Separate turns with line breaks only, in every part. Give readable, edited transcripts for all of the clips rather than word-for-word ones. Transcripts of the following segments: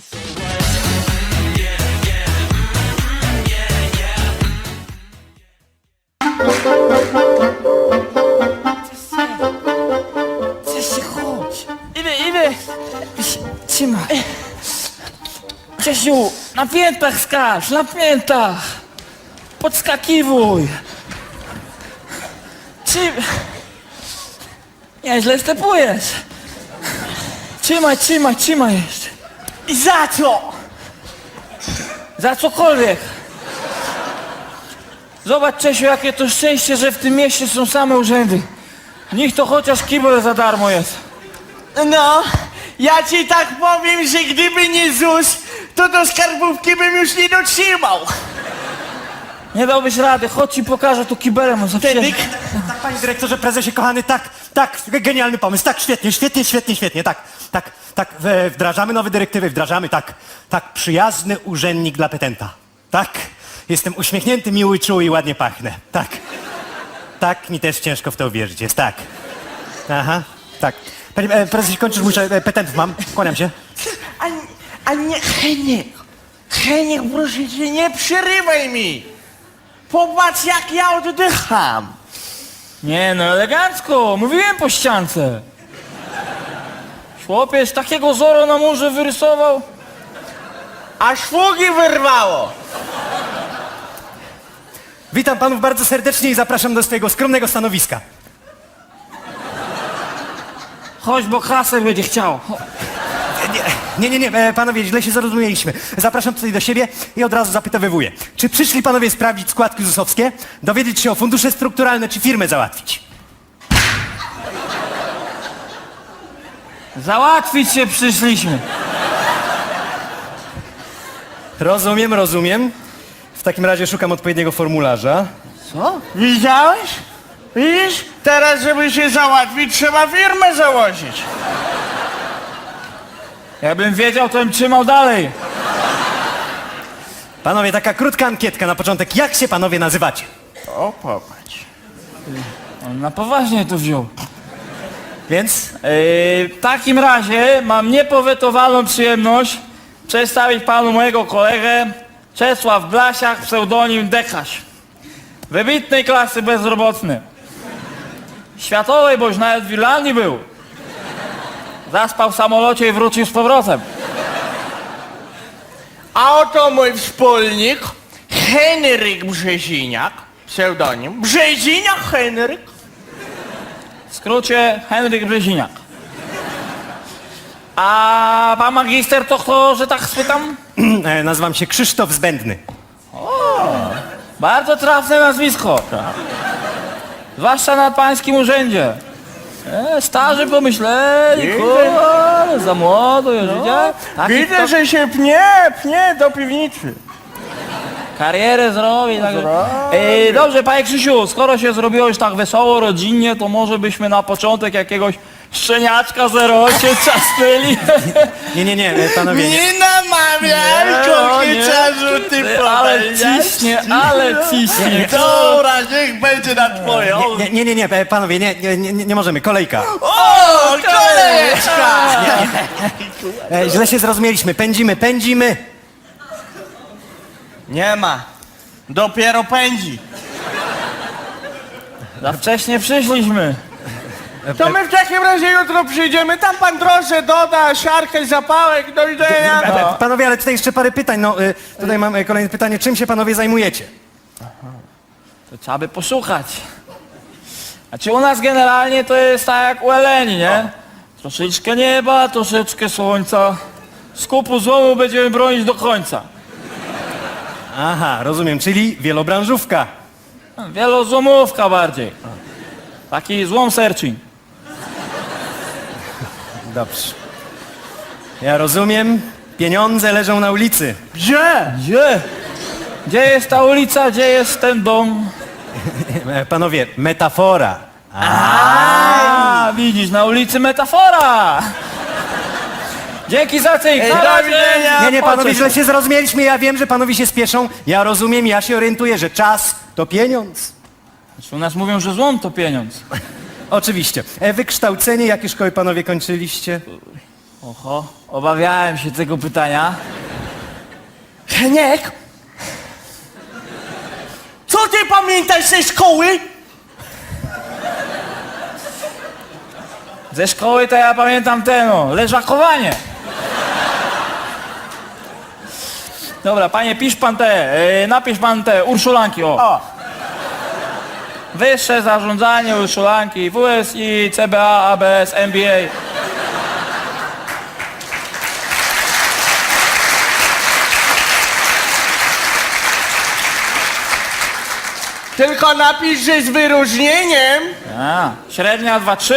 Czesiu, chodź. Idę. Trzymaj. Czesiu, na piętach skacz, na piętach. Podskakiwuj. Nieźle stepujesz. Trzymaj jeszcze. I za co? Za cokolwiek. Zobacz, Czesiu, jakie to szczęście, że w tym mieście są same urzędy. W nich to chociaż kibel za darmo jest.
No, ja ci tak powiem, że gdyby nie ZUS, to do skarbówki bym już nie dotrzymał.
Nie dałbyś rady, chodź ci pokażę tu kibelem.
Wtedy...
Tak, panie dyrektorze, prezesie kochany, tak, genialny pomysł, tak, świetnie, tak, wdrażamy nowe dyrektywy, tak, przyjazny urzędnik dla petenta, tak, jestem uśmiechnięty, miły, czuły i ładnie pachnę, tak, mi też ciężko w to uwierzyć jest, tak, aha, tak. Panie prezesie, kończysz, muszę, petentów mam, kłaniam się.
A nie, Heniek, proszę cię, nie przerywaj mi. Popatrz, jak ja oddycham.
Nie no, elegancko, mówiłem po ściance. Chłopiec takiego Zoro na murze wyrysował.
Aż szługi wyrwało.
Witam panów bardzo serdecznie i zapraszam do swojego skromnego stanowiska.
Chodź, bo kasę będzie chciał.
Nie, panowie, źle się zrozumieliśmy. Zapraszam tutaj do siebie i od razu zapytowywuję. Czy przyszli panowie sprawdzić składki ZUS-owskie, dowiedzieć się o fundusze strukturalne, czy firmę załatwić?
Załatwić się przyszliśmy.
Rozumiem. W takim razie szukam odpowiedniego formularza.
Co? Widziałeś? Widzisz? Teraz, żeby się załatwić, trzeba firmę założyć.
Jakbym wiedział, to bym trzymał dalej.
Panowie, taka krótka ankietka na początek. Jak się panowie nazywacie?
O, popatrz.
On na poważnie to wziął.
Więc?
W takim razie mam niepowetowaną przyjemność przedstawić panu mojego kolegę Czesław Blasiak, pseudonim Dekaś. Wybitnej klasy bezrobotny. Światowej, boś nawet w Irlandii był. Zaspał w samolocie i wrócił z powrotem.
A oto mój wspólnik, Henryk Brzeziniak, pseudonim. Brzeziniak Henryk.
W skrócie Henryk Brzeziniak. A pan magister to kto, że tak spytam?
Nazywam się Krzysztof Zbędny.
Bardzo trafne nazwisko. Zwłaszcza na pańskim urzędzie. Starzy pomyśleli, kurde, za młodo już, widziałeś?
Widzę, że się pnie do piwnicy.
Karierę zrobi. Tak. Dobrze, panie Krzysiu, skoro się zrobiło już tak wesoło, rodzinnie, to może byśmy na początek jakiegoś szczeniaczka 08 czasnęli.
Nie, panowie, nie.
Nie namawiaj, kokieciarzu, ty
Ale
powiedziałeś.
ale ciśnie.
Dobra, niech będzie na twoją.
Nie, panowie, nie możemy, kolejka.
O, kolejeczka!
Źle się zrozumieliśmy, pędzimy.
Nie ma. Dopiero pędzi.
Za wcześnie przyszliśmy.
To my w takim razie jutro przyjdziemy. Tam pan trosze doda, siarkę, zapałek, do widzenia.
Panowie, ale tutaj jeszcze parę pytań. Tutaj mam kolejne pytanie. Czym się panowie zajmujecie?
To trzeba by poszukać. Znaczy u nas generalnie to jest tak jak u Eleni, nie? Troszeczkę nieba, troszeczkę słońca. Skupu złomu będziemy bronić do końca.
Aha, rozumiem, czyli wielobranżówka.
Wielozłomówka bardziej. Taki złom searching.
Dobrze. Ja rozumiem, pieniądze leżą na ulicy.
Gdzie?
Gdzie? Gdzie jest ta ulica, gdzie jest ten dom?
Panowie, metafora.
A, widzisz, na ulicy metafora. Dzięki za cynk. Na
do
razie.
widzenia.
Nie, panowie,
Pociesz.
źle się zrozumieliśmy. Ja wiem, że panowie się spieszą. Ja rozumiem, ja się orientuję, że czas to pieniądz.
Znaczy, u nas mówią, że złom to pieniądz.
Oczywiście. Wykształcenie, jakie szkoły panowie kończyliście?
Oho, obawiałem się tego pytania.
Heniek? Co ty pamiętasz ze szkoły?
Ze szkoły to ja pamiętam leżakowanie. Dobra, panie, napisz pan te Urszulanki, o.
O,
Wyższe zarządzanie Urszulanki, WSI, CBA, ABS, MBA.
tylko napisz, że z wyróżnieniem
A, średnia 2-3.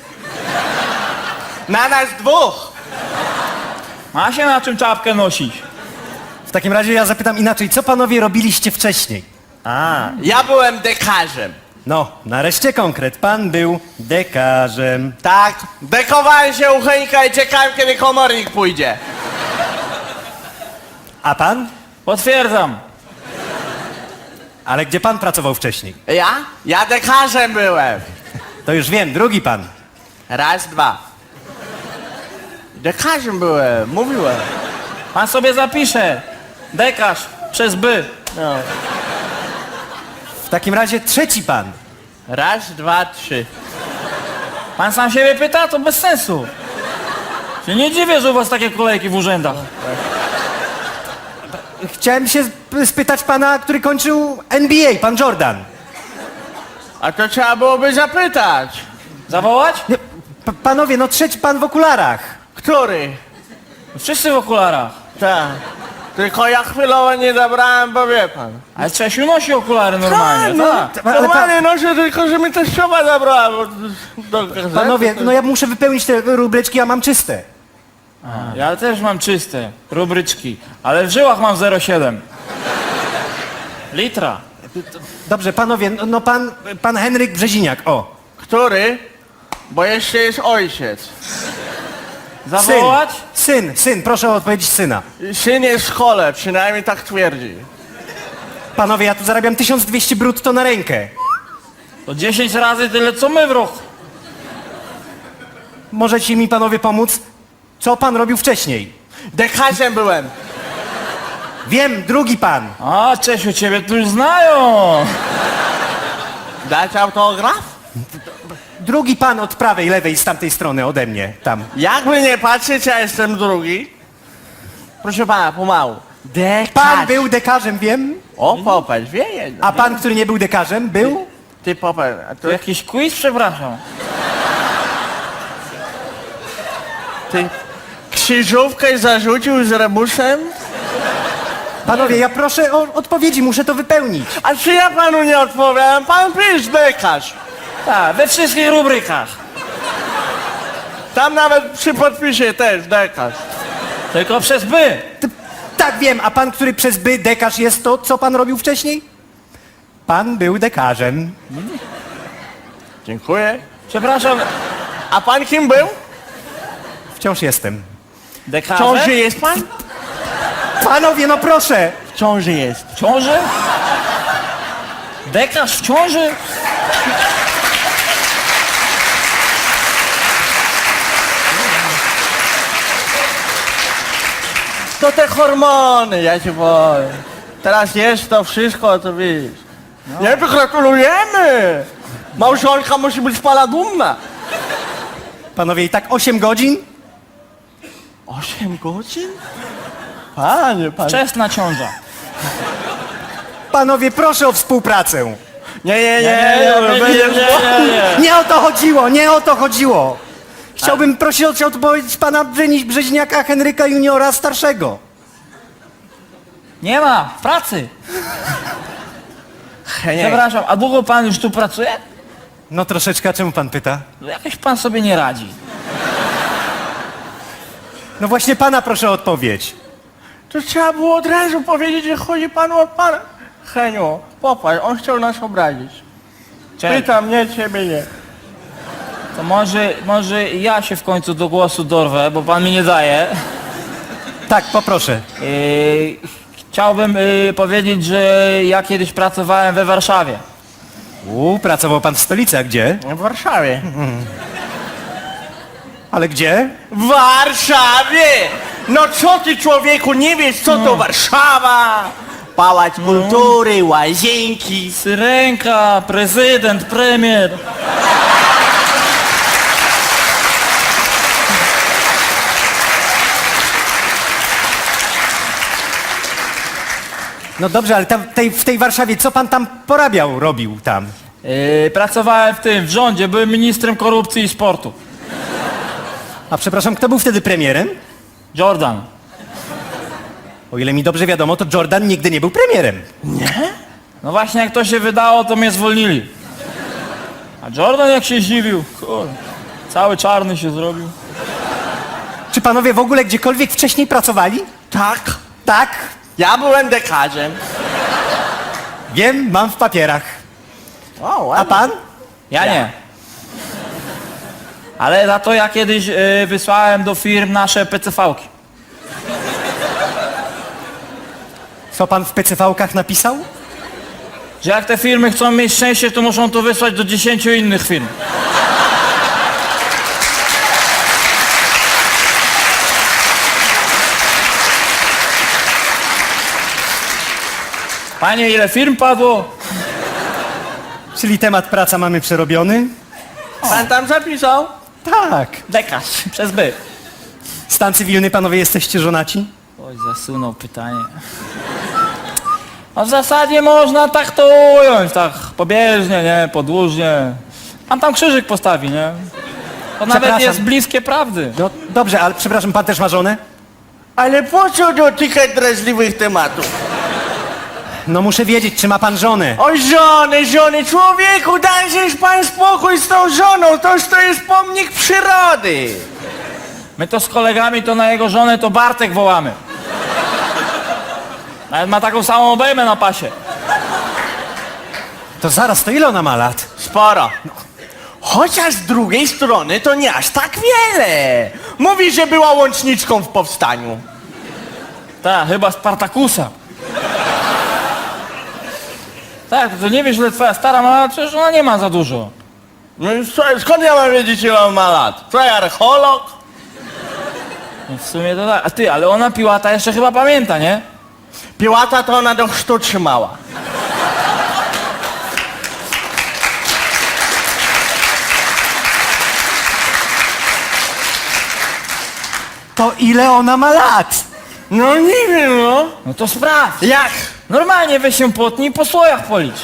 na nas dwóch.
Ma się na czym czapkę nosić.
W takim razie ja zapytam inaczej, co panowie robiliście wcześniej?
Ja byłem dekarzem.
No, nareszcie konkret. Pan był dekarzem.
Tak, dekowałem się u Henka i czekałem, kiedy komornik pójdzie.
A pan?
Potwierdzam.
Ale gdzie pan pracował wcześniej?
Ja? Ja dekarzem byłem.
To już wiem, drugi pan.
Raz, dwa. Dekarzem byłem, mówiłem.
Pan sobie zapisze. Dekarz przez by.
No.
W takim razie trzeci pan.
Raz, dwa, trzy.
Pan sam siebie pyta, to bez sensu. Się nie dziwię, że u was takie kolejki w urzędach.
Chciałem się spytać pana, który kończył NBA, pan Jordan.
A to trzeba byłoby zapytać.
Zawołać?
Nie, panowie, no trzeci pan w okularach.
Który?
Wszyscy w okularach.
Tak. Tylko ja chwilowo nie zabrałem, bo wie pan.
Ale Czesiu nosi okulary normalnie, tak.
Ale
Normalnie noszę, tylko że mi teściowa zabrała, bo do gazety.
panowie, no ja muszę wypełnić te rubryczki, a mam czyste.
Ja też mam czyste rubryczki, ale w żyłach mam 0,7 litra.
Dobrze, panowie, no pan Henryk Brzeziniak, o.
Który? Bo jeszcze jest ojciec.
Zawołać?
Syn, proszę o odpowiedź syna.
Syn jest w szkole, przynajmniej tak twierdzi.
Panowie, ja tu zarabiam 1200 brutto na rękę.
To 10 razy tyle, co my w roku.
Możecie mi panowie pomóc? Co pan robił wcześniej?
Dekarzem byłem.
Wiem, drugi pan.
A, Czesiu, ciebie tu już znają.
Dać autograf?
Drugi pan od prawej, lewej, z tamtej strony ode mnie, tam.
Jakby nie patrzeć, ja jestem drugi. Proszę pana, pomału. Dekarz.
Pan był dekarzem, wiem.
O, popatrz, wie jedno.
A pan, który nie był dekarzem, był?
Ty popatrz, a
To
to
jakiś quiz, przepraszam.
ty krzyżówkę zarzucił z rebusem?
Panowie, ja proszę o odpowiedzi, muszę to wypełnić.
A czy ja panu nie odpowiadam? Pan pisz dekarz.
Tak, we wszystkich rubrykach.
Tam nawet przy podpisie też dekarz.
Tylko przez by.
Tak, wiem, a pan, który przez by dekarz jest, to co pan robił wcześniej? Pan był dekarzem.
Dziękuję.
Przepraszam,
A pan kim był?
Wciąż jestem.
W
dekarze?
ciąży jest pan?
Panowie, no proszę.
W ciąży jest.
W ciąży? Dekarz w ciąży?
To te hormony, ja ci powiem. Teraz jest to wszystko, to wiesz. Nie, to gratulujemy. Małżonka musi być z pana dumna.
Panowie, i tak 8 godzin?
8 godzin? Panie.
Wczesna ciąża.
Panowie, proszę o współpracę.
Nie.
Nie o to chodziło, nie o to chodziło. Chciałbym prosić o odpowiedź pana Brzeźniaka Henryka Juniora starszego.
Nie ma, w pracy. Przepraszam, a długo pan już tu pracuje?
No troszeczkę, a czemu pan pyta?
No jakoś pan sobie nie radzi.
No właśnie pana proszę o odpowiedź.
To trzeba było od razu powiedzieć, że chodzi panu o pana. Heniu, popatrz, on chciał nas obrazić.
Czekaj,
Pytam, nie, ciebie nie.
to może ja się w końcu do głosu dorwę, bo pan mi nie daje.
Tak, poproszę.
Chciałbym powiedzieć, że ja kiedyś pracowałem we Warszawie.
Pracował pan w stolicy, a gdzie?
W Warszawie.
Ale gdzie?
W Warszawie! No co ty, człowieku, nie wiesz, co to Warszawa? Pałac Kultury, łazienki.
Syrenka, prezydent, premier.
No dobrze, ale tam, w tej Warszawie, co pan tam robił tam?
Pracowałem w rządzie, byłem ministrem korupcji i sportu.
A przepraszam, kto był wtedy premierem?
Jordan.
O ile mi dobrze wiadomo, to Jordan nigdy nie był premierem.
No właśnie jak to się wydało, to mnie zwolnili. A Jordan jak się zdziwił, kurde, cały czarny się zrobił.
Czy panowie w ogóle gdziekolwiek wcześniej pracowali?
Tak,
Tak.
ja byłem dekarzem.
Wiem, mam w papierach.
O,
A
ładnie.
pan?
Ja nie. Ale za to ja kiedyś wysłałem do firm nasze PCV-ki.
Co pan w PCV-kach napisał?
Że jak te firmy chcą mieć szczęście, to muszą to wysłać do 10 innych firm. Panie, ile firm padło?
Czyli temat praca mamy przerobiony?
Pan tam zapisał?
Tak.
Dekarz, przez by.
Stan cywilny, panowie, jesteście żonaci?
Oj, zasunął pytanie. A w zasadzie można tak to ująć, tak pobieżnie, nie, podłużnie. Pan tam krzyżyk postawi, nie? To nawet
Przepraszam.
jest bliskie prawdy.
No dobrze, ale przepraszam, pan też ma żonę?
Ale po co dotykać drażliwych tematów?
No muszę wiedzieć, czy ma pan żonę.
O żony, człowieku, dajżeś pan spokój z tą żoną, to jest pomnik przyrody.
My to z kolegami to na jego żonę to Bartek wołamy. Nawet ma taką samą obejmę na pasie.
To zaraz, to ile ona ma lat?
Sporo. Chociaż z drugiej strony to nie aż tak wiele. Mówi, że była łączniczką w powstaniu.
Tak, chyba Spartakusa. Tak, to nie wiesz, ile twoja stara ma lat, przecież ona nie ma za dużo.
No i skąd ja mam wiedzieć, ile on ma lat? Co, ja archeolog?
No w sumie to tak. A ty, ale ona Piłata jeszcze chyba pamięta, nie?
Piłata to ona do chrztu trzymała.
To ile ona ma lat?
No nie wiem, no.
No to sprawdź.
Jak?
Normalnie weź się potnij i po słojach policz.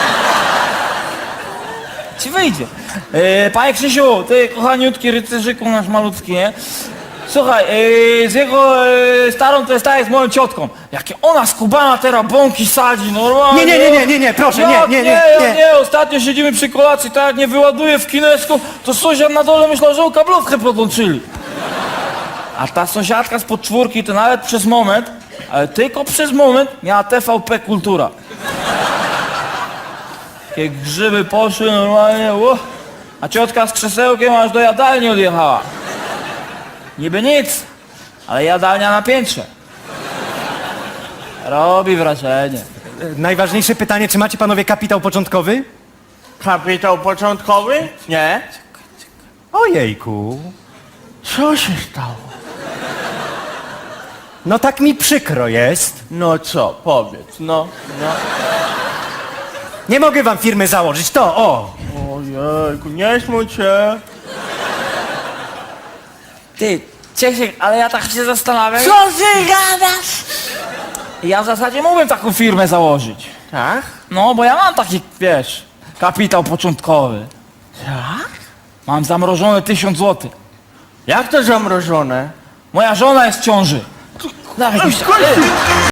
Ci wyjdzie. Panie Krzysiu, ty kochaniutki rycerzyku nasz malutki, nie? Słuchaj, z jego starą to jest tak jak z moją ciotką. Jakie ona skubana teraz bąki sadzi, normalnie.
Nie, proszę,
Jak
nie.
nie, ostatnio siedzimy przy kolacji, tak jak nie wyładuje w kinesku, to sąsiad na dole myślał, że kablówkę podłączyli. A ta sąsiadka z podczwórki to nawet przez moment, ale tylko przez moment miała TVP Kultura. Takie grzyby poszły normalnie, a ciotka z krzesełkiem aż do jadalni odjechała. Niby nic, ale jadalnia na piętrze. Robi wrażenie.
Najważniejsze pytanie, czy macie panowie kapitał początkowy?
Kapitał początkowy? Nie.
Ojejku.
Co się stało?
No tak mi przykro jest.
No co, powiedz, no.
Nie mogę wam firmy założyć, to o.
Ojejku, nie smuć się.
Ty, Ciesiek, ale ja tak się zastanawiam.
Co ty gadasz?
Ja w zasadzie mógłbym taką firmę założyć.
Tak?
No, bo ja mam taki, wiesz, kapitał początkowy.
Tak?
Mam zamrożone 1000 zł.
Jak to zamrożone?
Moja żona jest w ciąży. Dawaj,